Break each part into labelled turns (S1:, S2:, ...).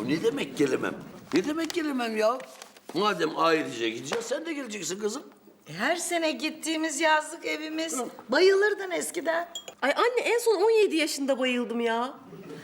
S1: ne demek gelemem? Ne demek gelemem ya? Madem ailece gideceğiz, sen de geleceksin kızım.
S2: Her sene gittiğimiz yazlık evimiz. Bayılırdın eskiden.
S3: Ay anne en son 17 yaşında bayıldım ya.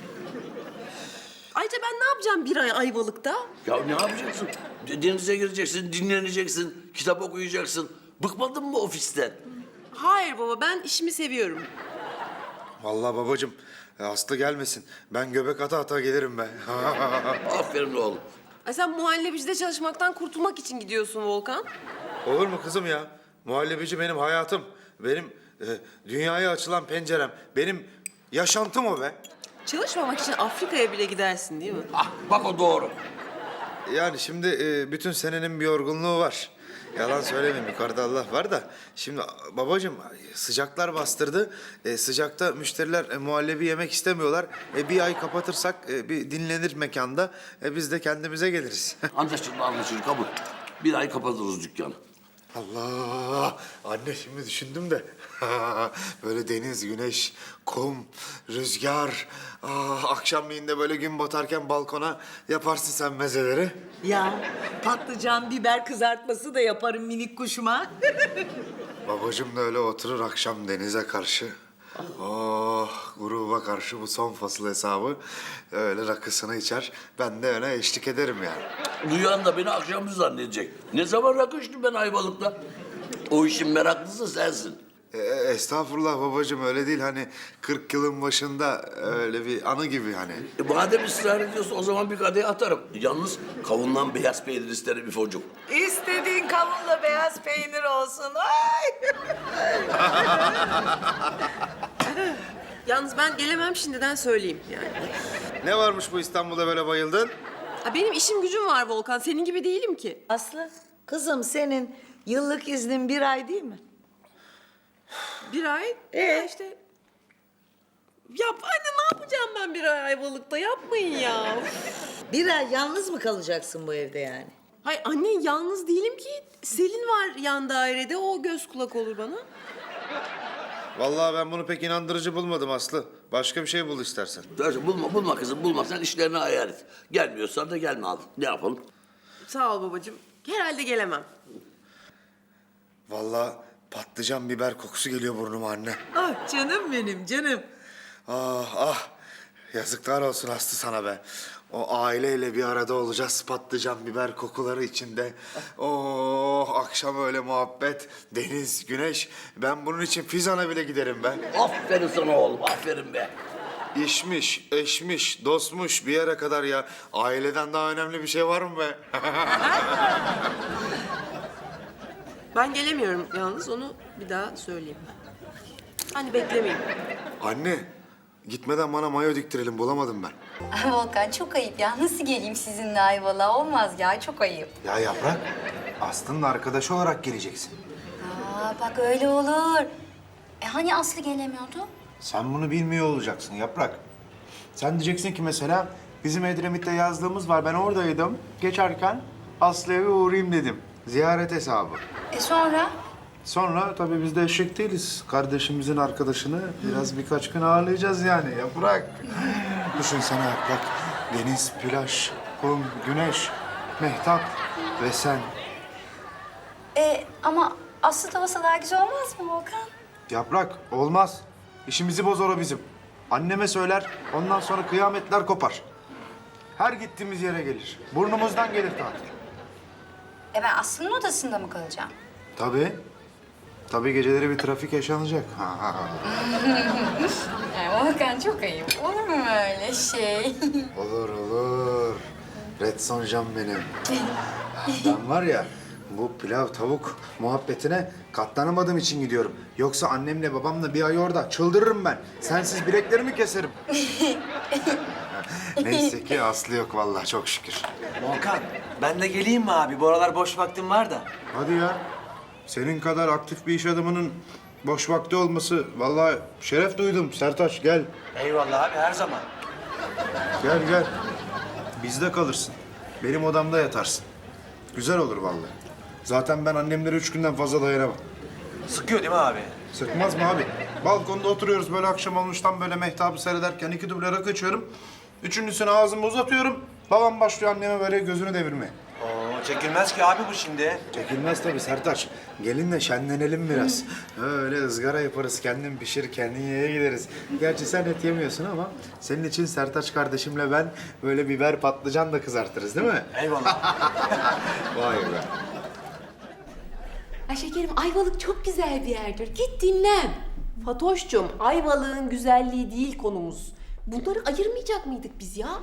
S3: Ayrıca ben ne yapacağım bir ay Ayvalık'ta?
S1: Ya ne yapacaksın? Denize gireceksin, dinleneceksin, kitap okuyacaksın. Bıkmadın mı ofisten?
S3: Hayır baba ben işimi seviyorum.
S4: Vallahi babacığım Aslı gelmesin. Ben göbek ata ata gelirim ben.
S1: Aferin oğlum.
S3: Ay sen muhallebicide çalışmaktan kurtulmak için gidiyorsun Volkan.
S4: Olur mu kızım ya? Muhallebici benim hayatım. Benim dünyaya açılan pencerem. Benim yaşantım o be.
S3: Çalışmamak için Afrika'ya bile gidersin değil mi?
S1: Ah, bak o doğru.
S4: Yani şimdi bütün senenin bir yorgunluğu var. Yalan söylemeyeyim, yukarıda Allah var da. Şimdi babacığım sıcaklar bastırdı. Sıcakta müşteriler muhallebi yemek istemiyorlar. Bir ay kapatırsak bir dinlenir mekanda. Biz de kendimize geliriz.
S1: Anlaşıldı, anlaşıldı. Kabul. Bir ay kapatırız dükkanı.
S4: Allah! Anne şimdi düşündüm de. Böyle deniz, güneş, kum, rüzgar. Akşamleyin de böyle gün batarken balkona yaparsın sen mezeleri.
S2: Ya patlıcan, biber kızartması da yaparım minik kuşuma.
S4: Babacığım da öyle oturur akşam denize karşı. Oh, gruba karşı bu son fasıl hesabı. Öyle rakısını içer. Ben de öyle eşlik ederim yani.
S1: Duyan da beni akşamcı zannedecek. Ne zaman rakı içtim ben Ayvalık'ta? O işin meraklısı sensin.
S4: Estağfurullah babacığım öyle değil. Hani 40 yılın başında öyle bir anı gibi hani.
S1: Madem ısrar ediyorsun o zaman bir kadeh atarım. Yalnız kavundan beyaz peynir isterim İfo'cum.
S2: İstediğin kavunla beyaz peynir olsun. Ay!
S3: Yalnız ben gelemem şimdiden söyleyeyim yani.
S4: Ne varmış bu İstanbul'da böyle bayıldın?
S3: Ha, benim işim gücüm var Volkan. Senin gibi değilim ki.
S2: Aslı, kızım senin yıllık iznin 1 ay değil mi?
S3: Bir ay. İşte. Ya anne ne yapacağım ben bir ay Ayvalık'ta? Yapmayın ya.
S2: 1 ay yalnız mı kalacaksın bu evde yani?
S3: Hay anne yalnız değilim ki. Selin var yan dairede. O göz kulak olur bana.
S4: Vallahi ben bunu pek inandırıcı bulmadım Aslı. Başka bir şey bul istersen.
S1: Bulma kızım bulma. Sen işlerini ayar et. Gelmiyorsan da gelme al. Ne yapalım?
S3: Sağ ol babacığım. Herhalde gelemem.
S4: Vallahi patlıcan biber kokusu geliyor burnuma anne.
S2: Ah canım benim canım.
S4: Ah ah. Yazıklar olsun Aslı sana be. O aileyle bir arada olacağız patlıcan biber kokuları içinde. Oh akşam öyle muhabbet, deniz, güneş. Ben bunun için Fizan'a bile giderim ben.
S1: Aferin sana oğlum. Aferin be.
S4: İşmiş, eşmiş, dostmuş bir yere kadar ya. Aileden daha önemli bir şey var mı be?
S3: Ben gelemiyorum yalnız. Onu bir daha söyleyeyim. Hani beklemeyin.
S4: Anne, gitmeden bana mayo diktirelim bulamadım ben.
S5: Ay Volkan çok ayıp ya. Nasıl geleyim sizinle Ayvalık'a? Olmaz ya, çok ayıp.
S4: Ya Yaprak, Aslı'nın arkadaşı olarak geleceksin.
S5: Bak öyle olur. Hani Aslı gelemiyordu?
S4: Sen bunu bilmiyor olacaksın Yaprak. Sen diyeceksin ki mesela bizim Edremit'te yazlığımız var. Ben oradaydım. Geçerken Aslı'ya bir uğrayayım dedim. Ziyaret hesabı.
S5: Sonra?
S4: Sonra tabii biz de eşek değiliz. Kardeşimizin arkadaşını biraz birkaç gün ağırlayacağız yani Yaprak. Düşünsene Yaprak. Deniz, plaj, kum, güneş, mehtap ve sen.
S5: Ama Aslı tavası daha güzel olmaz mı Volkan?
S4: Yaprak olmaz. İşimizi bozar o bizim. Anneme söyler, ondan sonra kıyametler kopar. Her gittiğimiz yere gelir. Burnumuzdan gelir tatil.
S5: Ben Aslı'nın odasında mı kalacağım?
S4: Tabii. Tabii geceleri bir trafik yaşanacak.
S5: Volkan çok ayıp. Olur mu öyle şey?
S4: Olur olur. Red Sonjam benim. Ben var ya bu pilav tavuk muhabbetine katlanamadığım için gidiyorum. Yoksa annemle babamla bir ay orada çıldırırım ben. Sensiz bileklerimi keserim. Neyse ki Aslı yok vallahi çok şükür.
S6: Volkan, ben de geleyim mi abi? Bu aralar boş vaktim var da.
S4: Hadi ya. Senin kadar aktif bir iş adamının boş vakti olması vallahi şeref duydum. Sertaç gel.
S6: Eyvallah abi, her zaman.
S4: Gel gel. Bizde kalırsın. Benim odamda yatarsın. Güzel olur vallahi. Zaten ben annemlere 3 günden fazla dayanamam.
S6: Sıkıyor değil mi abi?
S4: Sıkmaz mı abi? Balkonda oturuyoruz böyle akşam olmuştan böyle mehtabı seyrederken 2 duble rakı içiyorum. Üçüncüsünü ağzıma uzatıyorum. Babam başlıyor anneme böyle gözünü devirmeye.
S6: Oo, çekilmez ki abi bu şimdi.
S4: Çekilmez tabii Sertaç. Gelin de şenlenelim biraz. Öyle ızgara yaparız, kendin pişir, kendin yeye gideriz. Gerçi sen et yemiyorsun ama senin için Sertaç kardeşimle ben böyle biber patlıcan da kızartırız değil mi?
S6: Eyvallah.
S4: Vay be.
S7: Ay şekerim, Ayvalık çok güzel bir yerdir. Git dinlen.
S3: Fatoş'cum, Ayvalık'ın güzelliği değil konumuz. Bunları ayırmayacak mıydık biz ya?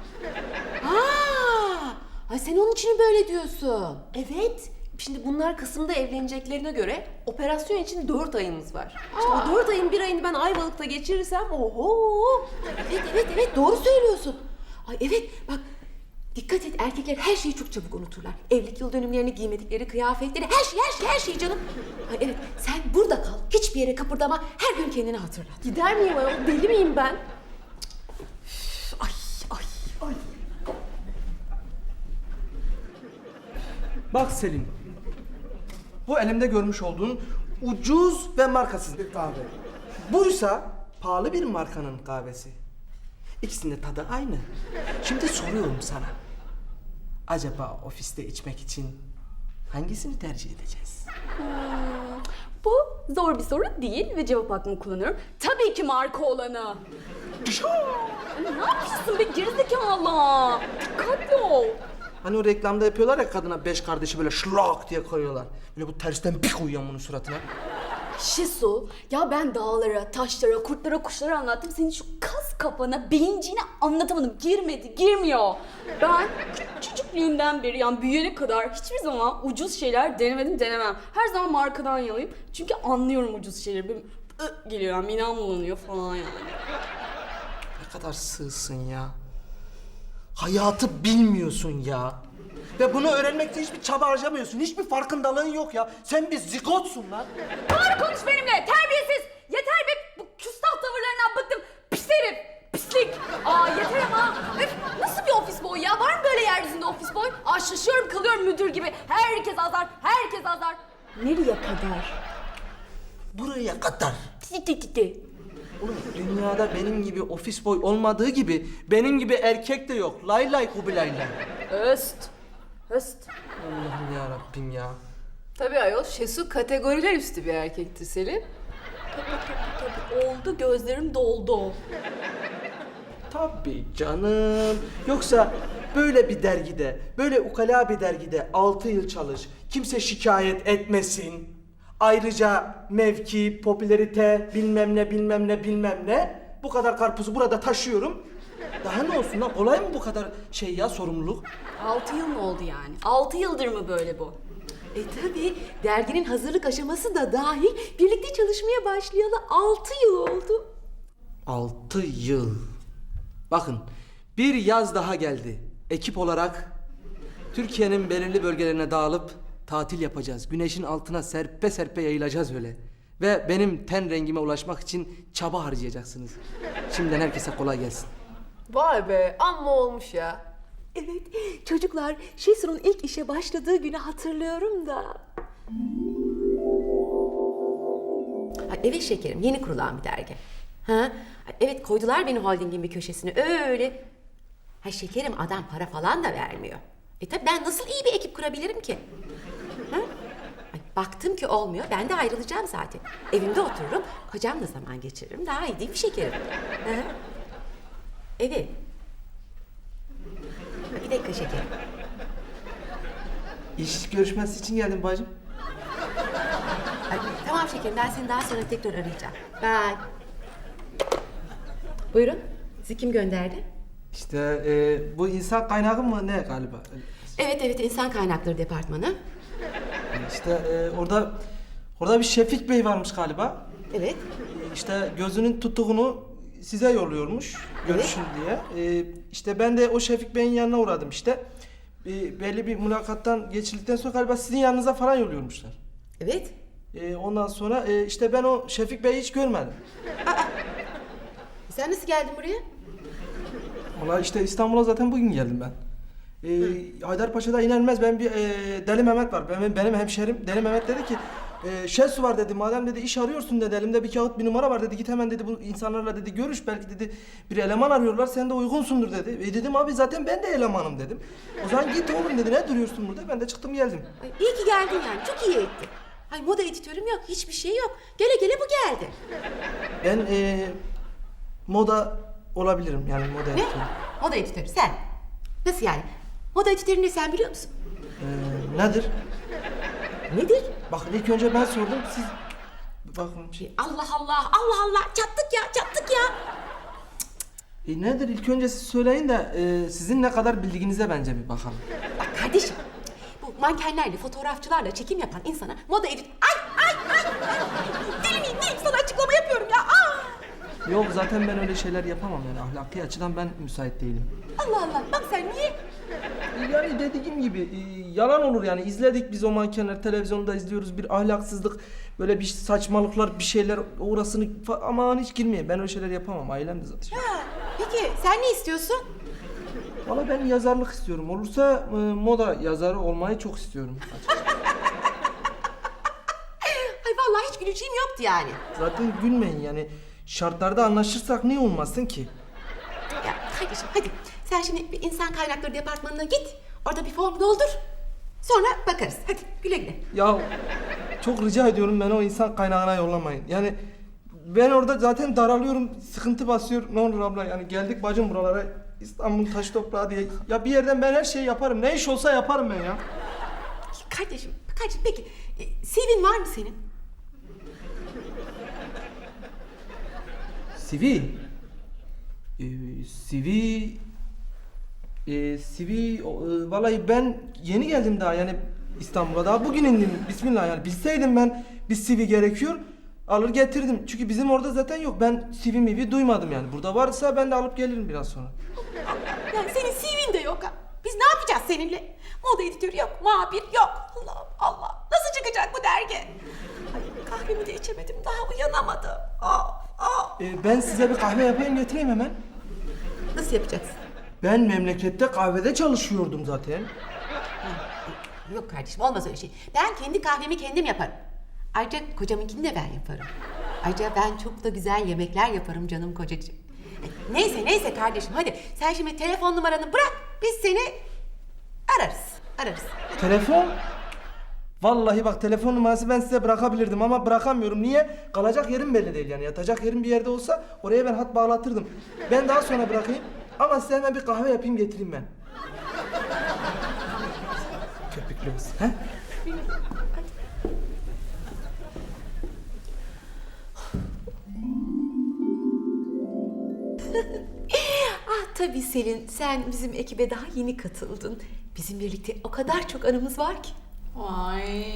S7: Ay sen onun için mi böyle diyorsun?
S3: Evet. Şimdi bunlar Kasım'da evleneceklerine göre operasyon için 4 ayımız var. İşte o 4 ayın bir ayını ben Ayvalık'ta geçirirsem oho.
S7: Evet doğru söylüyorsun. Ay evet bak dikkat et erkekler her şeyi çok çabuk unuturlar. Evlilik yıl dönümlerini, giymedikleri kıyafetleri, her şeyi canım. Ay evet sen burada kal, hiçbir yere kıpırdama, her gün kendini hatırlat.
S3: Gider miyim ayol? Deli miyim ben?
S7: Ay.
S8: Bak Selim, bu elimde görmüş olduğun ucuz ve markasız bir kahve. Buysa pahalı bir markanın kahvesi. İkisinin de tadı aynı. Şimdi soruyorum sana. Acaba ofiste içmek için hangisini tercih edeceğiz?
S7: Bu zor bir soru değil ve cevap hakkımı kullanıyorum. Tabii ki marka olanı. Ay, ne yapıyorsun be gerizekalı? Dikkatli ol.
S8: Hani o reklamda yapıyorlar ya kadına 5 kardeşi böyle şlak diye koyuyorlar. Böyle bu tersten bir koyuyor bunun suratına.
S7: Şisu, ya ben dağlara, taşlara, kurtlara, kuşlara anlattım. Senin şu kas kafana, beyinciğine anlatamadım. Girmiyor. Ben küçüklüğümden beri yani büyüyene kadar hiçbir zaman ucuz şeyler denemem. Her zaman markadan yanayım. Çünkü anlıyorum ucuz şeyleri. Benim geliyor yani, midem bulanıyor falan yani.
S8: Ne kadar sığsın ya. Hayatı bilmiyorsun ya. Ve bunu öğrenmekte hiçbir çaba harcamıyorsun. Hiçbir farkındalığın yok ya. Sen bir zigotsun lan.
S7: Doğru konuş benimle, terbiyesiz. Yeter be, bu küstah tavırlarından bıktım. Pis herif, pislik. Yeter ama. Öf, nasıl bir ofis boy ya? Var mı böyle yeryüzünde ofis boy? Şaşıyorum kalıyorum müdür gibi. Herkes azar. Nereye kadar?
S8: Buraya kadar.
S7: Ti.
S8: Oğlum dünyada benim gibi ofis boy olmadığı gibi benim gibi erkek de yok. Lay lay kubilay lay.
S7: Höst.
S8: Allah'ım ya Rabbim ya.
S3: Tabii ayol, Şesu kategoriler üstü bir erkektir Selim.
S7: Tabii oldu, gözlerim doldu.
S8: Tabii canım. Yoksa böyle bir dergide, böyle ukala bir dergide 6 yıl çalış, kimse şikayet etmesin. Ayrıca mevki, popülerite, bilmem ne. Bu kadar karpuzu burada taşıyorum. Daha ne olsun lan? Kolay mı bu kadar şey ya, sorumluluk?
S7: 6 yıl mı oldu yani? 6 yıldır mı böyle bu? Tabii derginin hazırlık aşaması da dahil birlikte çalışmaya başlayalı 6 yıl oldu.
S8: 6 yıl. Bakın, bir yaz daha geldi. Ekip olarak Türkiye'nin belirli bölgelerine dağılıp tatil yapacağız. Güneşin altına serpe serpe yayılacağız öyle. Ve benim ten rengime ulaşmak için çaba harcayacaksınız. Şimdiden herkese kolay gelsin.
S3: Vay be, amma olmuş ya.
S7: Evet, çocuklar Şesu'nun ilk işe başladığı günü hatırlıyorum da. Evet şekerim, yeni kurulan bir dergi. Evet, koydular beni holdingin bir köşesine öyle. Şekerim, adam para falan da vermiyor. Tabii ben nasıl iyi bir ekip kurabilirim ki? Baktım ki olmuyor, ben de ayrılacağım zaten. Evimde otururum, kocamla zaman geçiririm. Daha iyi değil mi şekerim? Evet. Bir dakika şekerim.
S8: İş görüşmesi için geldim bacım.
S7: Tamam şekerim, ben seni daha sonra tekrar arayacağım. Bye. Buyurun, sizi kim gönderdi?
S8: İşte bu insan kaynağı mı ne galiba?
S7: Evet, insan kaynakları departmanı.
S8: İşte orada bir Şefik Bey varmış galiba.
S7: Evet.
S8: İşte gözünün tuttuğunu size yolluyormuş görüşün diye. İşte ben de o Şefik Bey'in yanına uğradım işte. Belli bir mülakattan geçildikten sonra galiba sizin yanınıza falan yolluyormuşlar.
S7: Evet.
S8: Ondan sonra işte ben o Şefik Bey'i hiç görmedim.
S7: Sen nasıl geldin buraya?
S8: Valla işte İstanbul'a zaten bugün geldim ben. Haydarpaşa'da iner inmez ben bir Deli Mehmet var. Benim hemşerim Deli Mehmet dedi ki Şesu var dedi. Madem dedi iş arıyorsun dedi. Elimde bir kağıt bir numara var dedi. Git hemen dedi bu insanlarla dedi görüş. Belki dedi bir eleman arıyorlar. Sen de uygunsundur dedi. Dedim abi zaten ben de elemanım dedim. O zaman git oğlum dedi. Ne duruyorsun burada? Ben de çıktım geldim.
S3: Ay, iyi ki geldin yani. Çok iyi ettin. Ay moda editörüm yok. Hiçbir şey yok. Gele gele bu geldi.
S8: Ben moda olabilirim yani moda
S3: Ne?
S8: editörü.
S3: Moda editörü sen. Nasıl yani? Moda editörü ne sen biliyor musun?
S8: Nedir?
S3: Nedir?
S8: Bakın ilk önce ben sordum siz... Bakın
S3: Allah Allah, Allah Allah. Çattık ya, çattık ya.
S8: nedir ilk önce siz söyleyin de sizin ne kadar bildiğinize bence bir bakalım.
S3: Bak kardeşim, bu mankenlerle, fotoğrafçılarla çekim yapan insana moda edit... Ay! Deli miyim neyim sana açıklama yapıyorum ya.
S8: Yok zaten ben öyle şeyler yapamam yani ahlaki açıdan ben müsait değilim.
S3: Allah Allah, bak sen niye?
S8: Yani dediğim gibi yalan olur yani izledik biz o mankenler televizyonda izliyoruz bir ahlaksızlık böyle bir saçmalıklar bir şeyler orasını aman hiç girmeyin ben öyle şeyler yapamam ailem de zaten.
S3: Peki sen ne istiyorsun?
S8: Valla ben yazarlık istiyorum olursa moda yazarı olmayı çok istiyorum.
S3: Ay vallahi hiç güleceğim yoktu yani.
S8: Zaten gülmeyin yani şartlarda anlaşırsak niye olmasın ki?
S3: Ya kardeşim hadi sen şimdi bir insan kaynakları departmanına git. Orada bir form doldur. Sonra bakarız. Hadi güle güle.
S8: Ya çok rica ediyorum beni o insan kaynağına yollamayın. Yani ben orada zaten daralıyorum, sıkıntı basıyor. Ne olur abla yani geldik bacım buralara İstanbul taş toprağı diye. Ya bir yerden ben her şeyi yaparım. Ne iş olsa yaparım ben ya.
S3: Kardeşim peki CV'nin var mı senin?
S8: CV? Vallahi ben yeni geldim daha yani İstanbul'a daha bugün indim. Bismillah yani bilseydim ben bir CV gerekiyor alır getirdim. Çünkü bizim orada zaten yok. Ben CV duymadım yani. Burada varsa ben de alıp gelirim biraz sonra.
S3: Yani senin CV'in de yok ha. Biz ne yapacağız seninle? Moda editörü yok, muhabir yok. Allah Allah. Nasıl çıkacak bu dergi? Ay, kahvemi de içemedim. Daha uyanamadım.
S8: Ben size bir kahve yapayım getireyim hemen.
S3: Nasıl yapacaksın?
S8: Ben memlekette kahvede çalışıyordum zaten.
S3: Yok kardeşim olmaz öyle şey. Ben kendi kahvemi kendim yaparım. Ayrıca kocamınkini de ben yaparım. Ayrıca ben çok da güzel yemekler yaparım canım kocacığım. Neyse kardeşim hadi. Sen şimdi telefon numaranı bırak. Biz seni ararız.
S8: Telefon? Vallahi bak telefon numarası ben size bırakabilirdim ama bırakamıyorum. Niye? Kalacak yerim belli değil yani. Yatacak yerim bir yerde olsa oraya ben hat bağlatırdım. Ben daha sonra bırakayım ama size hemen bir kahve yapayım getireyim ben. Köpüklü olsun. He?
S3: Tabii Selin sen bizim ekibe daha yeni katıldın. Bizim birlikte o kadar çok anımız var ki.
S7: Ay.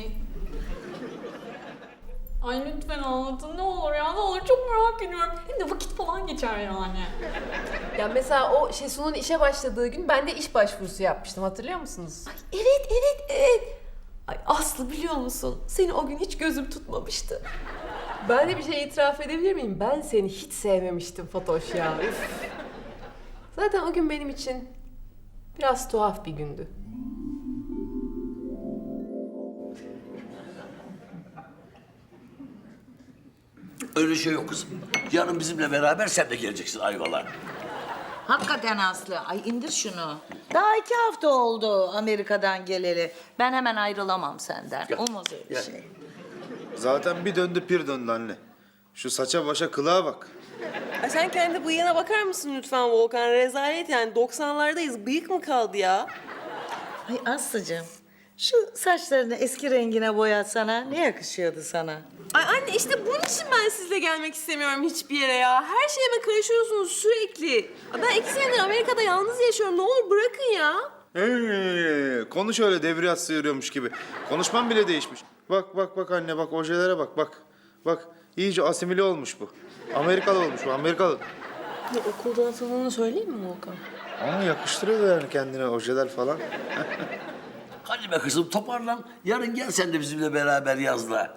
S7: Ay lütfen anlatın ne olur ya ne olur çok merak ediyorum. Hem de vakit falan geçer yani.
S3: Ya mesela o Şesu'nun işe başladığı gün ben de iş başvurusu yapmıştım hatırlıyor musunuz? Ay evet. Ay Aslı biliyor musun? Seni o gün hiç gözüm tutmamıştı. Ben de bir şey itiraf edebilir miyim? Ben seni hiç sevmemiştim Fatoş ya. Üf. Zaten o gün benim için biraz tuhaf bir gündü.
S1: Öyle şey yok kızım. Yarın bizimle beraber sen de geleceksin Ayvalık'a.
S2: Hakikaten Aslı. Ay indir şunu. Daha 2 hafta oldu Amerika'dan geleli. Ben hemen ayrılamam senden.
S1: Gel.
S2: Olmaz öyle
S1: Gel.
S2: şey.
S4: Zaten bir döndü pir döndü anne. Şu saça başa kılığa bak.
S9: Ay sen kendi bıyığına bakar mısın lütfen Volkan? Rezalet yani 90'lardayız. Bıyık mı kaldı ya?
S2: Ay Aslı'cığım şu saçlarını eski rengine boyatsana. Ne yakışıyordu sana?
S9: Ay anne işte bunun için ben sizle gelmek istemiyorum hiçbir yere ya. Her şeyime karışıyorsunuz sürekli. Ay ben 2 senedir Amerika'da yalnız yaşıyorum. Ne olur bırakın ya.
S4: Konuş öyle devriyat sıyırıyormuş gibi. Konuşman bile değişmiş. Bak anne bak ojelere bak. Bak iyice asimile olmuş bu. Amerikalı olmuş bu Amerikalı.
S9: Ya okulda atıldığını söyleyeyim mi Volkan?
S4: Ama yakıştırıyor yani kendine ojeler falan.
S1: Hadi be kızım toparlan. Yarın gel sen de bizimle beraber yazla.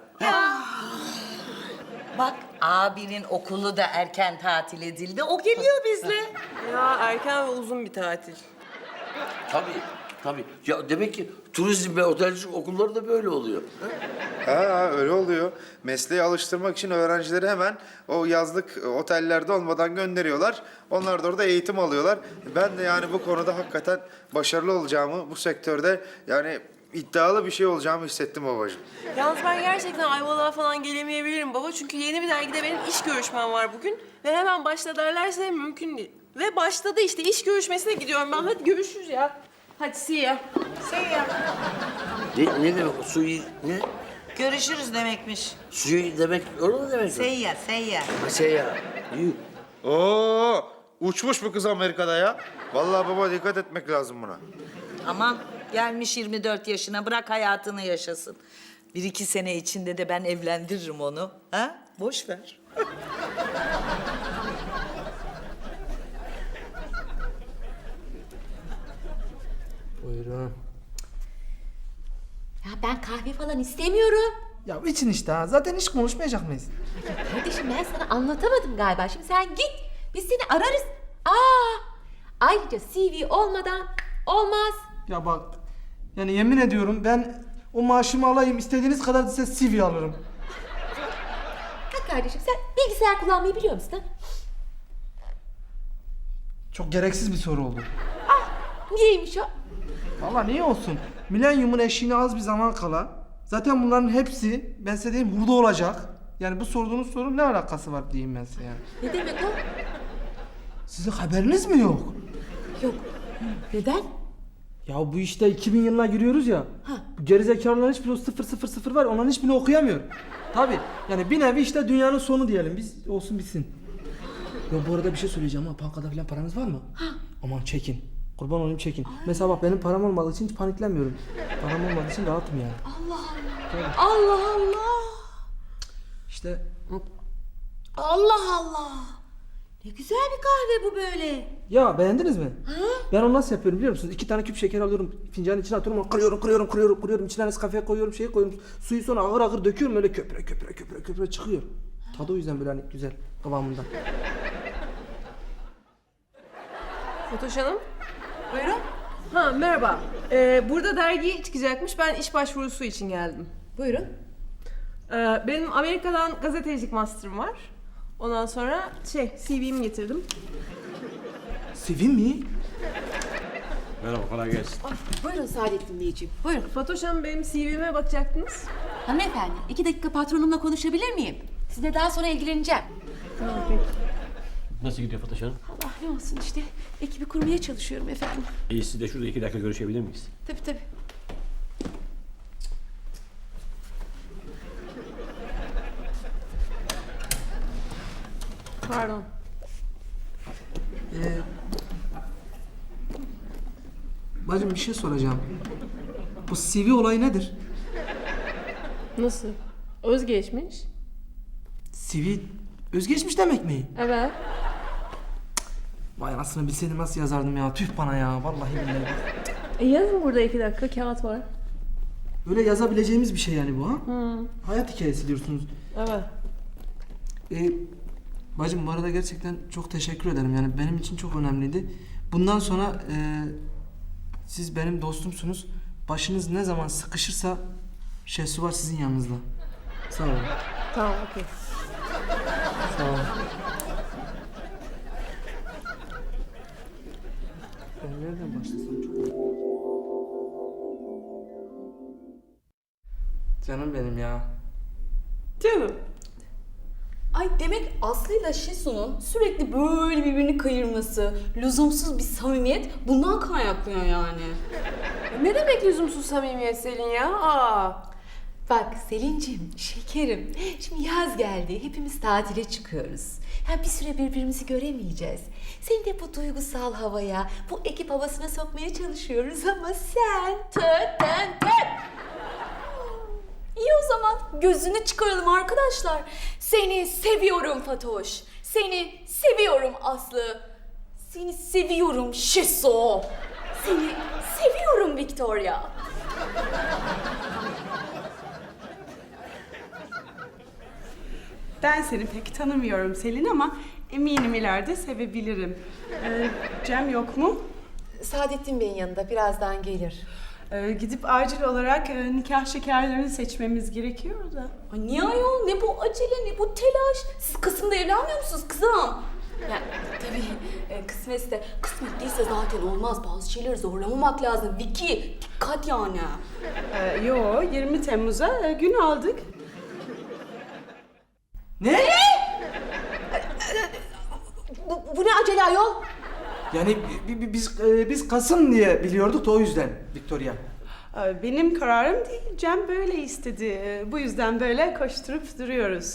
S2: Bak abinin okulu da erken tatil edildi. O geliyor bizle.
S9: Ya erken ve uzun bir tatil.
S1: Tabii. Tabii. Ya demek ki turizm ve otelcilik okulları da böyle oluyor.
S4: Ha öyle oluyor. Mesleğe alıştırmak için öğrencileri hemen o yazlık otellerde olmadan gönderiyorlar. Onlar da orada eğitim alıyorlar. Ben de yani bu konuda hakikaten başarılı olacağımı, bu sektörde yani iddialı bir şey olacağımı hissettim babacığım.
S9: Yalnız ben gerçekten Ayvalık'a falan gelemeyebilirim baba. Çünkü yeni bir dergide benim iş görüşmem var bugün. Ve hemen başla derlerse mümkün değil. Ve başladı işte, iş görüşmesine gidiyorum ben. Hadi görüşürüz ya. Hadi see ya.
S1: Ne demek o suyu ne?
S2: Görüşürüz demekmiş.
S1: Suyu demek öyle mi demek?
S2: Seyyar, seyyar.
S1: Şey ya. Yuh.
S4: Oo, uçmuş bu kız Amerika'da ya. Vallahi baba dikkat etmek lazım buna.
S2: Aman gelmiş 24 yaşına, bırak hayatını yaşasın. 1-2 sene içinde de ben evlendiririm onu. Ha? Boş ver.
S8: Buyurun.
S3: Ya ben kahve falan istemiyorum.
S8: Ya için işte ha. Zaten hiç konuşmayacak mıyız?
S3: Kardeşim ben sana anlatamadım galiba. Şimdi sen git. Biz seni ararız. Aa! Ayrıca CV olmadan olmaz.
S8: Ya bak. Yani yemin ediyorum ben o maaşımı alayım. İstediğiniz kadar size CV alırım.
S3: Ha kardeşim sen bilgisayar kullanmayı biliyor musun? Ha?
S8: Çok gereksiz bir soru oldu.
S3: Niyeymiş o?
S8: Vallahi niye olsun? Milenyumun eşiğine az bir zaman kala. Zaten bunların hepsi ben size diyeyim hurda olacak. Yani bu sorduğunuz sorunun ne alakası var diyeyim ben size yani.
S3: Ne demek o?
S8: Sizin haberiniz mi yok?
S3: Yok. Neden?
S8: Ya bu işte 2000 yılına giriyoruz ya. Bu gerizekalıların hiçbiri o 000 var. Onların hiçbirini okuyamıyor. Tabii. Yani bir nevi işte dünyanın sonu diyelim. Biz olsun bitsin. Ya bu arada bir şey söyleyeceğim ha. Bankada falan paranız var mı? Aman çekin. Kurban olayım çekin. Mesela bak benim param olmadığı için hiç paniklenmiyorum. Param olmadığı için rahatım yani.
S3: Allah Allah.
S8: İşte
S3: Allah Allah. Ne güzel bir kahve bu böyle.
S8: ya beğendiniz mi? Ben onu nasıl yapıyorum biliyor musunuz? 2 tane küp şeker alıyorum, fincanın içine atıyorum, kırıyorum. İçine Nescafe koyuyorum, koyuyorum. Suyu sonra ağır ağır döküyorum, öyle köpüre çıkıyor. Tadı o yüzden böyle hani güzel kıvamında.
S9: Fatoş Hanım.
S3: Buyurun.
S9: Ha merhaba. Burada dergi çıkacakmış. Ben iş başvurusu için geldim.
S3: Buyurun.
S9: Benim Amerika'dan gazetecilik master'ım var. Ondan sonra CV'mi getirdim.
S8: CV mi?
S10: Merhaba, kolay gelsin.
S3: Buyurun Saadettin Beyciğim. Buyurun.
S9: Fatoş Hanım benim CV'me bakacaktınız.
S3: Hanımefendi 2 dakika patronumla konuşabilir miyim? Sizinle daha sonra ilgileneceğim.
S10: Nasıl gidiyor Fatoş Hanım?
S3: Allah ne olsun işte. Ekibi kurmaya çalışıyorum efendim.
S10: İyi, siz de şurada 2 dakika görüşebilir miyiz?
S3: Tabii.
S9: Pardon.
S8: Bacım bir şey soracağım. Bu CV olayı nedir?
S9: Nasıl? Özgeçmiş.
S8: CV özgeçmiş demek mi?
S9: Evet.
S8: Vay anasını bilseydim nasıl yazardım ya. Tüh bana ya. Vallahi billahi.
S9: Yazın burada 2 dakika kağıt var.
S8: Öyle yazabileceğimiz bir şey yani bu ha? Hayat hikayesi diyorsunuz.
S9: Evet.
S8: Bacım bu arada gerçekten çok teşekkür ederim. Yani benim için çok önemliydi. Bundan sonra siz benim dostumsunuz. Başınız ne zaman sıkışırsa Şehsu var sizin yanınızda. Sağ olun.
S9: Tamam okey.
S8: Sağ olun. Ben nereden başlasam çok... Canım benim ya.
S9: Canım.
S7: Ay demek Aslı ile Şesu'nun sürekli böyle birbirini kayırması, lüzumsuz bir samimiyet bundan kaynaklanıyor yani.
S9: Ne demek lüzumsuz samimiyet Selin ya? Aa.
S3: Bak Selin'cim, şekerim. Şimdi yaz geldi. Hepimiz tatile çıkıyoruz. Ya bir süre birbirimizi göremeyeceğiz. Seni de bu duygusal havaya, bu ekip havasına sokmaya çalışıyoruz ama sen...
S7: İyi o zaman gözünü çıkaralım arkadaşlar. Seni seviyorum Fatoş. Seni seviyorum Aslı. Seni seviyorum Şesu. Seni seviyorum Victoria.
S11: Ben seni pek tanımıyorum Selin ama eminim ileride sevebilirim. Cem yok mu?
S3: Saadettin Bey'in yanında birazdan gelir.
S11: Gidip acil olarak nikah şekerlerini seçmemiz gerekiyor da.
S7: Ay niye ayol? Ne bu acele, ne bu telaş? Siz Kasım'da evlenmiyor musunuz kızım? Yani tabii kısmetse, kısmet değilse zaten olmaz. Bazı şeyleri zorlamamak lazım. Vicky, dikkat yani.
S11: Yo, 20 Temmuz'a gün aldık.
S8: Ne?
S7: Bu ne acele ayol?
S8: Yani biz Kasım diye biliyorduk da o yüzden Victoria.
S11: Benim kararım değil, Cem böyle istedi. Bu yüzden böyle koşturup duruyoruz.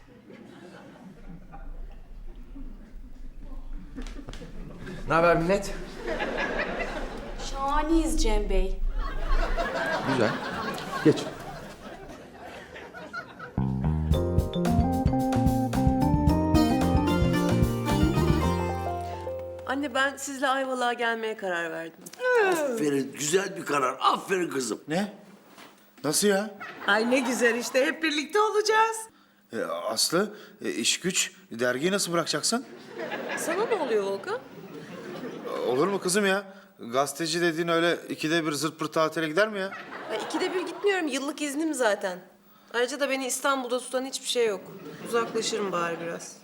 S6: Ne haber millet?
S7: Şahaneyiz Cem Bey.
S6: Güzel.
S8: Geç.
S9: Anne ben sizle Ayvalık'a gelmeye karar verdim.
S1: Aferin, güzel bir karar. Aferin kızım.
S4: Ne? Nasıl ya?
S2: Ay ne güzel işte hep birlikte olacağız.
S4: Aslı, iş güç, dergiyi nasıl bırakacaksın?
S9: Sana ne oluyor Volkan?
S4: Olur mu kızım ya? Gazeteci dediğin öyle ikide bir zırt pırt tatile gider mi ya?
S9: Ya 2'de 1 gitmiyorum. Yıllık iznim zaten. Ayrıca da beni İstanbul'da tutan hiçbir şey yok. Uzaklaşırım bari biraz.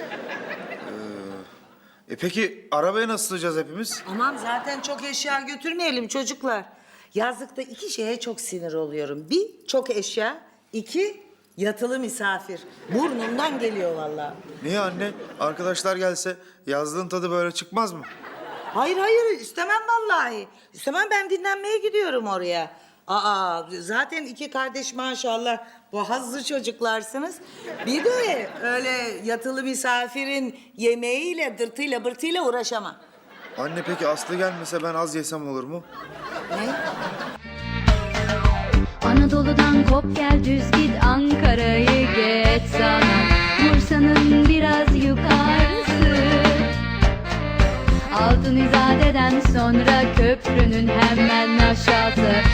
S4: Peki arabaya nasıl sığacağız hepimiz?
S2: Aman zaten çok eşya götürmeyelim çocuklar. Yazlıkta 2 şeye çok sinir oluyorum. 1, çok eşya. 2, yatılı misafir. Burnumdan geliyor vallahi.
S4: Niye anne? Arkadaşlar gelse yazlığın tadı böyle çıkmaz mı?
S2: Hayır istemem vallahi. İstemem, ben dinlenmeye gidiyorum oraya. Zaten 2 kardeş maşallah boğazlı çocuklarsınız. Bir de öyle yatılı misafirin yemeğiyle, dırtıyla, bırtıyla uğraşamam.
S4: Anne peki Aslı gelmese ben az yesem olur mu?
S2: Ne?
S12: Anadolu'dan kop gel düz git Ankara'yı geç sana Bursa'nın biraz yukarısı Altın İzade'den sonra köprünün hemen aşağısı